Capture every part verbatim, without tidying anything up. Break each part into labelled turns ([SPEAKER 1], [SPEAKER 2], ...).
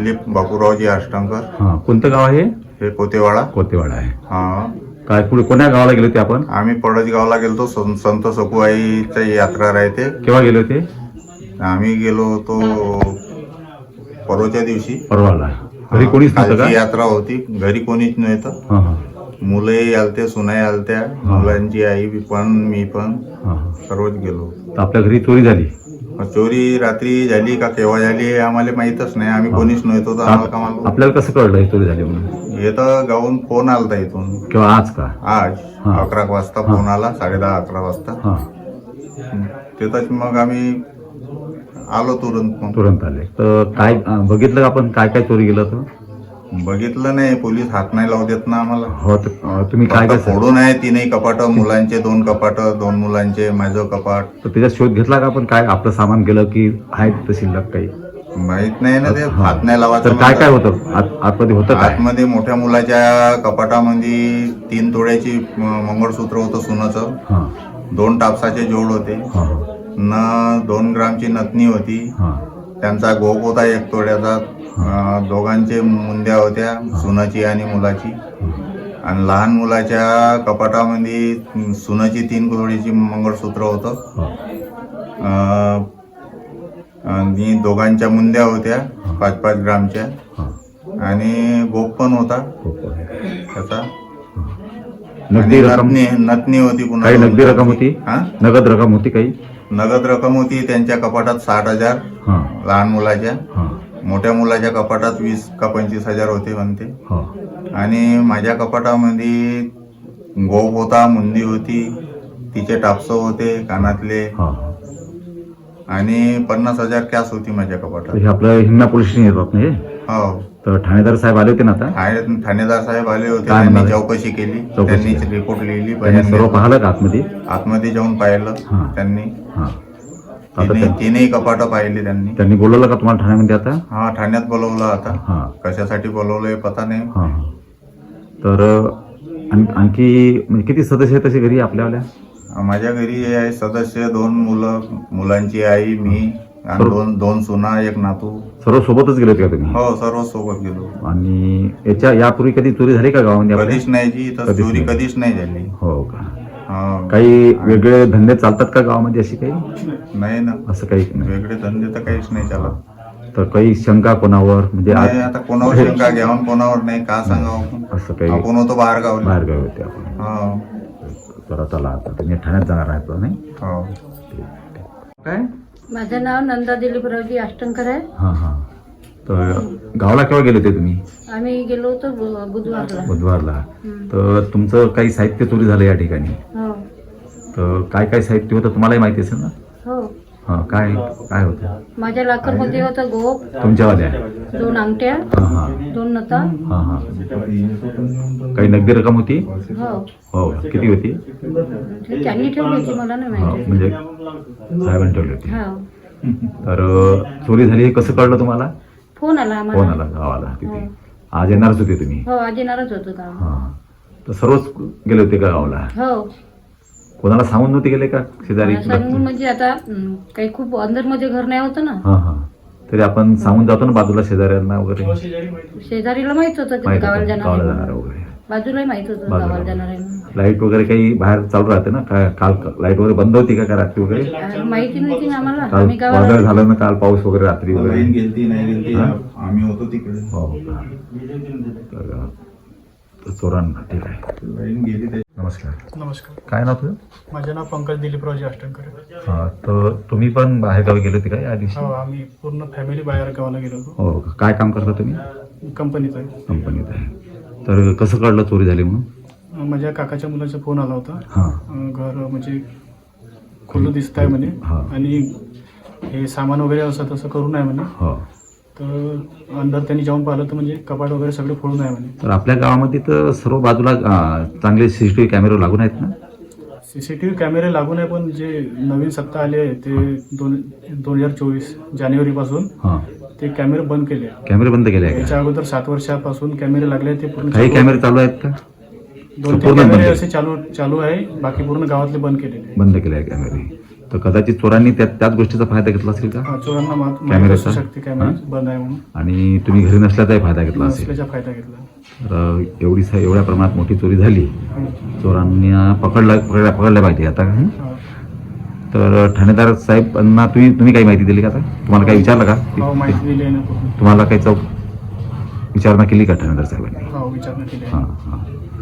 [SPEAKER 1] दिलीप बापूरावजी आष्टंकर.
[SPEAKER 2] हां, कोणतं गाव आहे?
[SPEAKER 1] हे कोतेवाडा.
[SPEAKER 2] कोतेवाडा आहे.
[SPEAKER 1] हा.
[SPEAKER 2] काय पुढे कोण्या गावाला गेले होते आपण?
[SPEAKER 1] आम्ही पडसगावला गेलतो. सं- संत सकुबाईची यात्रा राहते.
[SPEAKER 2] केव्हा गेले होते?
[SPEAKER 1] आम्ही गेलो होतो परवाच्या दिवशी.
[SPEAKER 2] परवाला. घरी कोणीच नव्हतं
[SPEAKER 1] कालची
[SPEAKER 2] का?
[SPEAKER 1] यात्रा होती. घरी कोणीच नव्हतं.
[SPEAKER 2] हां हां
[SPEAKER 1] मुलंही आलते, सुनाई आलत्या, मुलांची आई बी पण, मी पण
[SPEAKER 2] हां हां.
[SPEAKER 1] सर्वच गेलो.
[SPEAKER 2] तर आपल्या घरी चोरी झाली.
[SPEAKER 1] चोरी रात्री झाली का केव्हा झाली हे आम्हाला माहीतच नाही. आम्ही कोणीच नव्हतो तर आम्हाला का मालूम.
[SPEAKER 2] आपल्याला कसं कळलं ही चोरी झाली म्हणून?
[SPEAKER 1] हे तर गावून फोन आलता इथून.
[SPEAKER 2] किंवा आज का?
[SPEAKER 1] आज
[SPEAKER 2] हा.
[SPEAKER 1] अकरा वाजता फोन आला, साडे दहा अकरा वाजता.
[SPEAKER 2] हां,
[SPEAKER 1] तिथंच मग आम्ही आलो तुरंत. मग
[SPEAKER 2] तुरंत आले. तर काय अं, बघितलं का आपण काय काय चोरी गेलं तर?
[SPEAKER 1] बघितलं नाही. पोलीस हात नाही लावू देत ना आम्हाला.
[SPEAKER 2] हो, तर अं, तुम्ही काय
[SPEAKER 1] फक्त
[SPEAKER 2] काय
[SPEAKER 1] फोडून आहे तीनही कपाट. मुलांचे दोन कपाट, दोन मुलांचे, माझं कपाट.
[SPEAKER 2] तर त्याचा शोध घेतला का आपण? काय आपलं सामान गेलं की आहे तर शिल्लक काही?
[SPEAKER 1] माहित नाही ना ते.
[SPEAKER 2] हा.
[SPEAKER 1] हात नाही
[SPEAKER 2] तर
[SPEAKER 1] लावायचं.
[SPEAKER 2] काय काय होतं आत- आतमध्ये होतं काय?
[SPEAKER 1] आतमध्ये मोठ्या मुलाच्या कपाटामध्ये तीन तोड्याची म- मंगळसूत्र होतं सोन्याचं.
[SPEAKER 2] हां
[SPEAKER 1] दोन टापसाचे जोड होते.
[SPEAKER 2] हां
[SPEAKER 1] न दोन ग्रामची नथनी होती.
[SPEAKER 2] हां
[SPEAKER 1] त्यांचा गोप होता एक तोड्याचा. अं, दोघांचे मुंद्या होत्या, सुनाची आणि मुलाची. आणि लहान मुलाच्या कपाटामध्ये सुनाची तीन तोडीची मंगळसूत्र होतं. अं, आणि दोघांच्या मुंद्या होत्या पाच पाच ग्रामच्या.
[SPEAKER 2] हां.
[SPEAKER 1] आणि गोप पण होता त्याचा.
[SPEAKER 2] नगदी
[SPEAKER 1] आणि
[SPEAKER 2] रक्कम?
[SPEAKER 1] नथनी नथनी होती पुन्हा.
[SPEAKER 2] काही नगदी रक्कम होती?
[SPEAKER 1] हा?
[SPEAKER 2] नगद रक्कम होती काही?
[SPEAKER 1] नगद रक्कम होती त्यांच्या कपाटात साठ हजार
[SPEAKER 2] हां
[SPEAKER 1] लहान मुलाच्या.
[SPEAKER 2] हां
[SPEAKER 1] मोठ्या मुलाच्या कपाटात वीस का पंचवीस हजार होते म्हणते.
[SPEAKER 2] हां
[SPEAKER 1] आणि माझ्या कपाटामध्ये गोप होता, मुंदी होती, तिचे टापसं होते कानातले.
[SPEAKER 2] हां.
[SPEAKER 1] आणि पन्नास हजार कॅश होती माझ्या
[SPEAKER 2] तर
[SPEAKER 1] कपाटात.
[SPEAKER 2] हे आपलं हिंगणा पोलीस स्टेशन येतात ना हे?
[SPEAKER 1] हो.
[SPEAKER 2] तर ठाणेदार साहेब आले होते ना आता?
[SPEAKER 1] ठाणे- ठाणेदार साहेब आले होते.
[SPEAKER 2] काय
[SPEAKER 1] त्यांनी
[SPEAKER 2] म्हणाले?
[SPEAKER 1] चौकशी केली.
[SPEAKER 2] चौकशी
[SPEAKER 1] त्यांनी
[SPEAKER 2] केली.
[SPEAKER 1] रिपोर्ट लिहिली.
[SPEAKER 2] त्यांनी
[SPEAKER 1] बयान
[SPEAKER 2] सर्व
[SPEAKER 1] दिलं.
[SPEAKER 2] पाहिलं का आतमध्ये?
[SPEAKER 1] आतमध्ये जाऊन पाहिलं
[SPEAKER 2] हां.
[SPEAKER 1] त्यांनी.
[SPEAKER 2] हां. आता
[SPEAKER 1] तिने
[SPEAKER 2] त्या-
[SPEAKER 1] तीनही कपाटं पाहिली त्यांनी.
[SPEAKER 2] त्यांनी बोलवलं का तुम्हाला ठाण्यामध्ये आता?
[SPEAKER 1] हा, ठाण्यात बोलवलं आता.
[SPEAKER 2] हां
[SPEAKER 1] कशासाठी बोलवलंय पता नाही.
[SPEAKER 2] हां हां. तर आण- आणखी म्हणजे किती सदस्य आहेत तसे घरी आपल्यावाल्या?
[SPEAKER 1] माझ्या घरी आहे सदस्य दोन मुलं, मुलांची आई, मी आणि
[SPEAKER 2] सर्व-
[SPEAKER 1] दोन दोन सुना, एक नातू.
[SPEAKER 2] सर्व सोबतच गेले होते का तुम्ही?
[SPEAKER 1] हो, सर्व सोबत गेलो.
[SPEAKER 2] आणि याच्या यापूर्वी कधी चोरी झाली का गावामध्ये आपल्या?
[SPEAKER 1] कधीच नाही जी इथं
[SPEAKER 2] कधीच
[SPEAKER 1] चोरी
[SPEAKER 2] नाही.
[SPEAKER 1] कधीच नाही झाली.
[SPEAKER 2] हो का?
[SPEAKER 1] हा.
[SPEAKER 2] काही वेगळे धंदे चालतात का गावामध्ये अशी काही?
[SPEAKER 1] नाही ना,
[SPEAKER 2] असं काही नाही.
[SPEAKER 1] वेगळे धंदे तर काहीच नाही चालत.
[SPEAKER 2] तर काही शंका कोणावर म्हणजे आज-
[SPEAKER 1] नाही, आता कोणावर शंका घ्यावून कोणावर नाही, का सांगावं आपण.
[SPEAKER 2] असं काही
[SPEAKER 1] आपण होतो बाहेर गावले.
[SPEAKER 2] बाहेर गावी होते आपण?
[SPEAKER 1] हो.
[SPEAKER 2] तर चला आता तुम्ही ठाण्यात जाणार आहेत का नाही?
[SPEAKER 1] हो.
[SPEAKER 2] काय?
[SPEAKER 3] माझं नाव नंदा दिलीपरावजी आष्टंकर आहे.
[SPEAKER 2] हां हां. तर गावाला केव्हा गेले होते तुम्ही?
[SPEAKER 3] आम्ही गेलो होतो बु- बुधवारला.
[SPEAKER 2] बुधवारला.
[SPEAKER 3] हं.
[SPEAKER 2] तर तुमचं काही साहित्य चोरी झालं या ठिकाणी.
[SPEAKER 3] हो
[SPEAKER 2] तर काय काय साहित्य होतं तुम्हालाही माहिती असेल ना?
[SPEAKER 3] हो.
[SPEAKER 2] हां. काय काय होतं
[SPEAKER 3] माझ्या लाकरमध्ये होतं गोप,
[SPEAKER 2] तुमच्यावाल्या?
[SPEAKER 3] दोन अंगठ्या,
[SPEAKER 2] हां हां
[SPEAKER 3] दोन नता.
[SPEAKER 2] हां हां. काही नगदी रक्कम होती?
[SPEAKER 3] हो.
[SPEAKER 2] हो. किती होती?
[SPEAKER 3] ते त्यांनी ठेवली होती, मला नाही
[SPEAKER 2] हो,
[SPEAKER 3] माहिती.
[SPEAKER 2] म्हणजे साहेबांनी ठेवली होती.
[SPEAKER 3] हो.
[SPEAKER 2] तर अ, चोरी झाली हे कसं कळलं तुम्हाला?
[SPEAKER 3] फोन आला
[SPEAKER 2] फोन
[SPEAKER 3] आम्हाला.
[SPEAKER 2] आला गावाला तिथे.
[SPEAKER 3] हो.
[SPEAKER 2] आज येणारच होते तुम्ही?
[SPEAKER 3] हो, आज येणारच होतो का.
[SPEAKER 2] हां. तर सर्वच गेले होते का गावाला?
[SPEAKER 3] हो.
[SPEAKER 2] कोणाला सांगून नव्हते गेले का शेजारी?
[SPEAKER 3] सांगून म्हणजे आता हं, काही खूप अंदर मध्ये घर नाही होतं ना.
[SPEAKER 2] हां हां. तरी आपण सांगून जातो ना बाजूला शेजाऱ्यांना वगैरे?
[SPEAKER 3] शेजारीला माहित होतं की
[SPEAKER 2] माहित
[SPEAKER 3] गावाला
[SPEAKER 2] होतं,
[SPEAKER 3] जाणार
[SPEAKER 2] गावाला
[SPEAKER 3] आहे
[SPEAKER 2] जाणार
[SPEAKER 3] म्हणून.
[SPEAKER 2] वगैरे.
[SPEAKER 3] बाजूलाही माहित होतं
[SPEAKER 2] बाजूला.
[SPEAKER 3] गावाला जाणार आहे म्हणून.
[SPEAKER 2] लाईट वगैरे काही बाहेर चालू राहते ना? काय काल लाईट वगैरे बंद होती का काय रात्री वगैरे?
[SPEAKER 3] आ, माहिती नव्हती ना आम्हाला.
[SPEAKER 2] काल
[SPEAKER 3] आम्ही
[SPEAKER 2] वादळ
[SPEAKER 3] गावाला
[SPEAKER 2] झालं ना काल, पाऊस वगैरे रात्री
[SPEAKER 1] लाईन
[SPEAKER 2] वगैरे?
[SPEAKER 1] गेलती नाही गेलती,
[SPEAKER 2] हा?
[SPEAKER 1] आम्ही होतो तिकडे.
[SPEAKER 2] हो का? तर अ, तर चोरांना ठीक आहे.
[SPEAKER 1] लाईन गेली ते.
[SPEAKER 2] नमस्कार.
[SPEAKER 4] नमस्कार.
[SPEAKER 2] काय नाव तुझं?
[SPEAKER 4] माझे नाव पंकज दिलीपरावजी आष्टंकर आहे.
[SPEAKER 2] हां. तर तुम्ही पण बाहेर गावी गेले होते का या दिवशी?
[SPEAKER 4] हो, आम्ही पूर्ण फॅमिली बाहेर गावाला गेलो होतो.
[SPEAKER 2] हो का? काय काम करता तुम्ही?
[SPEAKER 4] कंपनीत आहे.
[SPEAKER 2] कंपनीत आहे. तर कसं कळलं चोरी झाली म्हणून?
[SPEAKER 4] माझ्या काकाच्या मुलाचा फोन आला होता.
[SPEAKER 2] हां
[SPEAKER 4] अं, घर म्हणजे खुलं दिसत आहे म्हणे.
[SPEAKER 2] हा.
[SPEAKER 4] आणि हे सामान वगैरे असं तसं करू नये म्हणे.
[SPEAKER 2] हो.
[SPEAKER 4] तर अंदर त्यांनी जाऊन पाहिलं तर म्हणजे कपाट वगैरे सगळे फोडून आहे म्हणे.
[SPEAKER 2] तर आपल्या गावामध्ये तर सर्व बाजूला अं, चांगले सीसीटीव्ही कॅमेरे लागून आहेत ना?
[SPEAKER 4] सी सी टी व्ही कॅमेरे लागून आहे, पण जे नवीन सत्ता आली आहे ते दोन दोन हजार चोवीस जानेवारीपासून
[SPEAKER 2] हां.
[SPEAKER 4] ते कॅमेरे बंद केले.
[SPEAKER 2] कॅमेरे बंद केले आहे
[SPEAKER 4] याच्या
[SPEAKER 2] का?
[SPEAKER 4] अगोदर सात वर्षापासून कॅमेरे लागले, ते पूर्ण
[SPEAKER 2] काही
[SPEAKER 4] चालू-
[SPEAKER 2] कॅमेरे चालू आहेत का?
[SPEAKER 4] दोन तीन
[SPEAKER 2] पूर्ण बंद
[SPEAKER 4] कॅमेरे
[SPEAKER 2] केले.
[SPEAKER 4] असे चालू चालू आहे, बाकी पूर्ण गावातले बंद केलेले आहे.
[SPEAKER 2] बंद केले आहे कॅमेरे. तर कदाचित चोरांनी त्या त्याच गोष्टीचा फायदा घेतला असेल का
[SPEAKER 4] हा, चोरांना मात- माहित
[SPEAKER 2] कॅमेऱ्याचा?
[SPEAKER 4] असू शकते कॅमेरा
[SPEAKER 2] हा?
[SPEAKER 4] बंद आहे म्हणून
[SPEAKER 2] आणि तुम्ही घरी नसल्याचाही फायदा घेतला असेल.
[SPEAKER 4] नसल्याचा फायदा घेतला.
[SPEAKER 2] तर एवढी सा- एवढ्या प्रमाणात मोठी चोरी झाली,
[SPEAKER 4] हं.
[SPEAKER 2] चोरांना पकडला पकडल्या पकडल्या पाहिजे आता. हं?
[SPEAKER 4] हा.
[SPEAKER 2] तर ठाणेदार साहेबांना तुम्ही तुम्ही काही माहिती दिली का आता? तुम्हाला काही विचारलं का?
[SPEAKER 4] हो, माहिती दिली आहे ना पूर्ण.
[SPEAKER 2] तुम्हाला काही चौक विचारणा केली का ठाणेदार साहेबांनी?
[SPEAKER 4] हो, विचारणा केली आहे.
[SPEAKER 2] हां हां.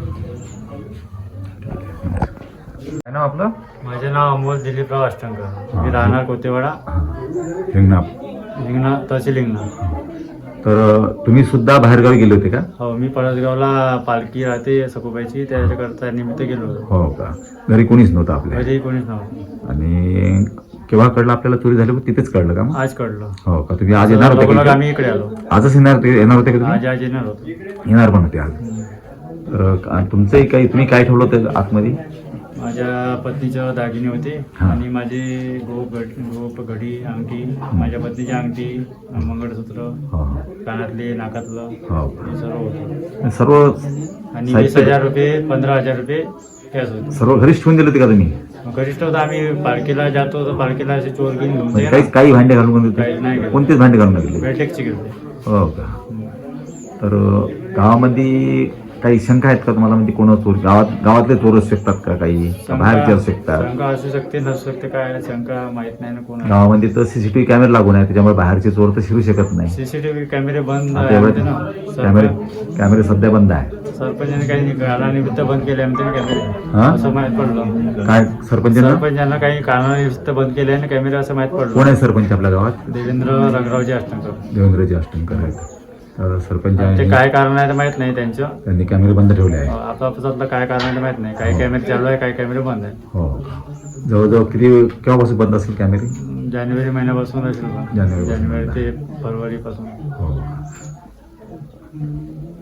[SPEAKER 2] काय नाव आपलं?
[SPEAKER 5] माझे नाव अमोल दिलीपराव अष्टंकर. मी राहणार कोतेवाडा,
[SPEAKER 2] हिंगणा.
[SPEAKER 5] हिंगणा तहसील हिंगणा.
[SPEAKER 2] तर तुम्ही सुद्धा बाहेरगावी गेले होते का?
[SPEAKER 5] हो, मी पळसगावला पालखी राहते सखुबाईची, त्याच्याकरता निमित्त गेलो होतो.
[SPEAKER 2] हो का? घरी कोणीच नव्हतं आपल्या?
[SPEAKER 5] घरी कोणीच नव्हतं.
[SPEAKER 2] आणि केव्हा कळलं आपल्याला चोरी झाली? तिथेच कळलं का मग?
[SPEAKER 5] आज कळलं.
[SPEAKER 2] हो का? तुम्ही आज येणार होते
[SPEAKER 5] लवकर
[SPEAKER 2] का?
[SPEAKER 5] आम्ही इकडे आलो.
[SPEAKER 2] आजच येणार होते येणार होते का
[SPEAKER 5] आज
[SPEAKER 2] तुम्ही?
[SPEAKER 5] आज येणार होतो.
[SPEAKER 2] येणार पण होते आज. तर का- तुमचंही काही तुम्ही काय ठेवलं होतं आतमध्ये?
[SPEAKER 5] माझ्या पत्नीचं दागिने होते
[SPEAKER 2] हा.
[SPEAKER 5] आणि माझे गोप घड गोप घडी अंगठी, माझ्या पत्नीची अंगठी, मंगळसूत्र,
[SPEAKER 2] हो
[SPEAKER 5] कानातले, नाकातलं,
[SPEAKER 2] हो
[SPEAKER 5] हे सर्व होतं.
[SPEAKER 2] सर्व
[SPEAKER 5] आणि वीस
[SPEAKER 2] साहित्य-
[SPEAKER 5] हजार रुपये पंधरा हजार रुपये कॅश होते.
[SPEAKER 2] सर्व घरीच ठेवून दिले होते का तुम्ही?
[SPEAKER 5] मग घरीच होतं. आम्ही पालखीला जातो तर पालखीला असे चोर घेऊन घेऊन
[SPEAKER 2] म्हणजे
[SPEAKER 5] जाईल.
[SPEAKER 2] काही काही भांडे घालून गेले
[SPEAKER 5] काहीच नाही
[SPEAKER 2] होते?
[SPEAKER 5] गेले.
[SPEAKER 2] कोणतेच भांडे घालून गेले?
[SPEAKER 5] बेटेकची घेतली.
[SPEAKER 2] हो का? तर गावामध्ये काही शंका आहेत का तुम्हाला? म्हणजे कोण चोर गावात गावातले चोर असू शकतात का काही? का बाहेरचे असू शकतात?
[SPEAKER 5] शंका असू शकते नसू शकते, काय शंका माहित नाही ना कोणा.
[SPEAKER 2] गावामध्ये तर सीसीटीव्ही कॅमेरे लागून आहे, त्याच्यामुळे बाहेरचे चोर तर शिरू शकत नाही.
[SPEAKER 5] सीसीटीव्ही कॅमेरे बंद
[SPEAKER 2] आता
[SPEAKER 5] आहे म्हणते ना.
[SPEAKER 2] एवढे कॅमेरे
[SPEAKER 5] सरपंच-
[SPEAKER 2] कॅमेरे सध्या बंद आहे.
[SPEAKER 5] सरपंचाने काही कारणानिमित्त बंद केले म्हणते ना
[SPEAKER 2] हा?
[SPEAKER 5] कॅमेरे, असं माहित पडलं.
[SPEAKER 2] काय सरपंचांना?
[SPEAKER 5] सरपंचांना काही कारणानिमित्त बंद केले आणि कॅमेरे असं माहित
[SPEAKER 2] कोण
[SPEAKER 5] पडलं.
[SPEAKER 2] आहे सरपंच आपल्या गावात?
[SPEAKER 5] देवेंद्र रंगरावजी अष्टंकर.
[SPEAKER 2] देवेंद्रजी अष्टंकर आहेत. तर
[SPEAKER 5] ते
[SPEAKER 2] सरपंचांनी
[SPEAKER 5] काय कारण आहे ते माहित नाही त्यांचं.
[SPEAKER 2] त्यांनी कॅमेरे बंद ठेवले आहे.
[SPEAKER 5] आपापसातलं काय कारण आहे ते माहित नाही. काही कॅमेरे चालू आहे, काही कॅमेरे बंद आहे.
[SPEAKER 2] हो जवळजवळ किती केव्हापासून बंद असेल कॅमेरे?
[SPEAKER 5] जानेवारी महिन्यापासून असेल बा.
[SPEAKER 2] जानेवारीपासून
[SPEAKER 5] जानेवारी
[SPEAKER 2] बंद
[SPEAKER 5] ते फरवरीपासून.
[SPEAKER 2] हो